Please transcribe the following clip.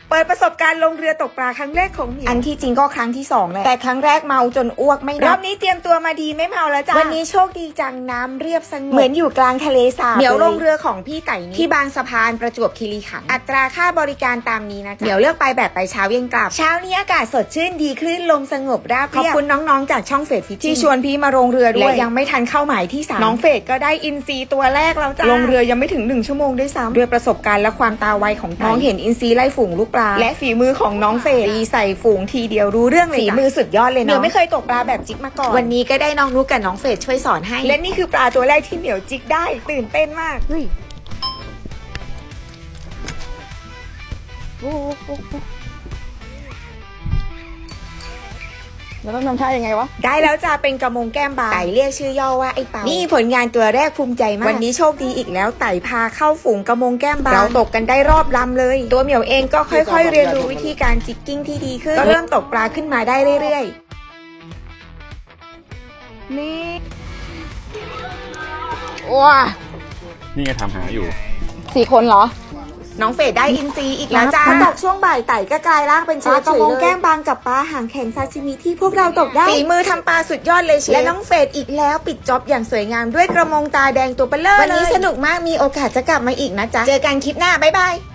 เปิดประสบการณ์ลงเรือตกปลาครั้งแรกของเหมียวอันที่จริงก็ครั้งที่2แหละแต่ครั้งแรกเมาจนอ้วกไม่นับรอบนี้เตรียมตัวมาดีไม่เมาแล้วจ้าวันนี้โชคดีจังน้ำเรียบสงบเหมือนอยู่กลางทะเลสาบเหมียวลงเรือของพี่ไก่นี้ที่บางสะพานประจวบคีรีขันธ์อัตราค่าบริการตามนี้นะจ๊ะเหมียวเลือกไปแบบไปเช้าเย็นกลับเช้านี้อากาศสดชื่นดีคลื่นลมสงบราบเรียบขอบคุณน้องๆจากช่องเฟดฟิชที่ชวนพี่มาลงเรือด้วยและยังไม่ทันเข้าหมายที่3น้องเฟดก็ได้อินซีตัวแรกแล้วจ้าลงเรือยังไม่ถึง1ชั่วโมงด้วยซ้ำด้วยประสบการณ์และความตาไวของน้องเห็นอินซีไล่ฝูงลูกปลาและฝีมือของน้องเฟดตีใส่ฝูงทีเดียวรู้เรื่องเลยฝีมือสุดยอดเลยเนาะเหมียวไม่เคยตกปลาแบบจิกมาก่อนวันนี้ก็ได้น้องนุ๊กกับน้องเฟดช่วยสอนให้และนี่คือปลาตัวแรกที่เหมียวจิกได้ตื่นเต้นมากเฮ้ยแล้วต้องทำท่ายังไงวะได้แล้วจะเป็นกระมงแก้มบางไต่เรียกชื่อย่อว่าไอ้เปานี่ผลงานตัวแรกภูมิใจมากวันนี้โชคดีอีกแล้วไต่พาเข้าฝูงกระมงแก้มบางเราตกกันได้รอบลำเลยตัวเหมียวเองก็ค่อยๆเรียนรู้วิธีการจิกกิ้งที่ดีขึ้นก็เริ่มตกปลาขึ้นมาได้เรื่อยๆนี่ว้านี่ไงทำหาอยู่ 4 คนเหรอน้องเฟดได้อินซีอีกแล้วจ้าพอตกช่วงบ่ายไต่ก็กลายร่างเป็นปลากระมงแก้มบางกับปลาหางแข็งซาซิมิที่พวกเราตกได้ฝีมือทำปลาสุดยอดเลยและน้องเฟดอีกแล้วปิดจ็อบอย่างสวยงามด้วยกระมงตาแดงตัวเบลอวันนี้สนุกมากมีโอกาสจะกลับมาอีกนะจ๊ะเจอกันคลิปหน้าบ๊ายบาย